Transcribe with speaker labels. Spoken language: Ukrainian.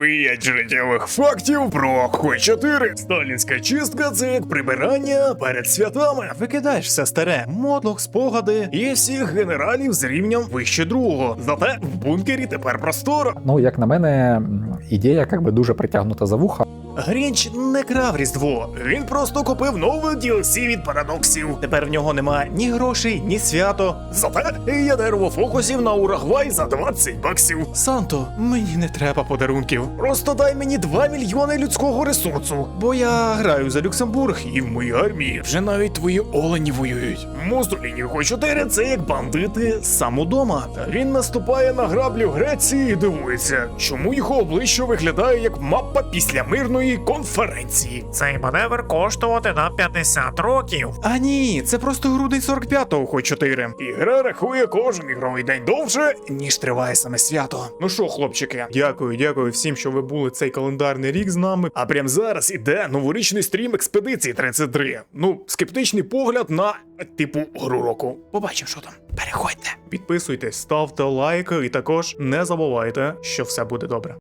Speaker 1: 5 життєвих фактів про Хой 4. Сталінська чистка – це як прибирання перед святами. Викидаєш все старе, мотлох, спогади і всіх генералів з рівнем вище другого. Зате в бункері тепер просторо.
Speaker 2: Ну, як на мене, ідея якби дуже притягнута за вуха.
Speaker 1: Грінч не крав Різдво, він просто купив нове DLC від парадоксів. Тепер в нього нема ні грошей, ні свято. Зате є дерево фокусів на Урагвай за 20 баксів. Санто, мені не треба подарунків. Просто дай мені 2 мільйони людського ресурсу. Бо я граю за Люксембург і в моїй армії вже навіть твої олені воюють. Муссоліні Хой 4 – це як бандити сам удома. Він наступає на граблю Греції і дивується, чому його обличчя виглядає як мапа після мирної конференції.
Speaker 3: Цей маневр коштувати нам 50 років.
Speaker 1: А ні, це просто грудень 45-го Хой 4. І гра рахує кожен ігровий день довше, ніж триває саме свято. Ну що, хлопчики, дякую всім, що ви були цей календарний рік з нами. А прямо зараз іде новорічний стрім Експедиції 33. Ну, скептичний погляд на, типу, гру року. Побачимо, що там. Переходьте. Підписуйтесь, ставте лайки і також не забувайте, що все буде добре.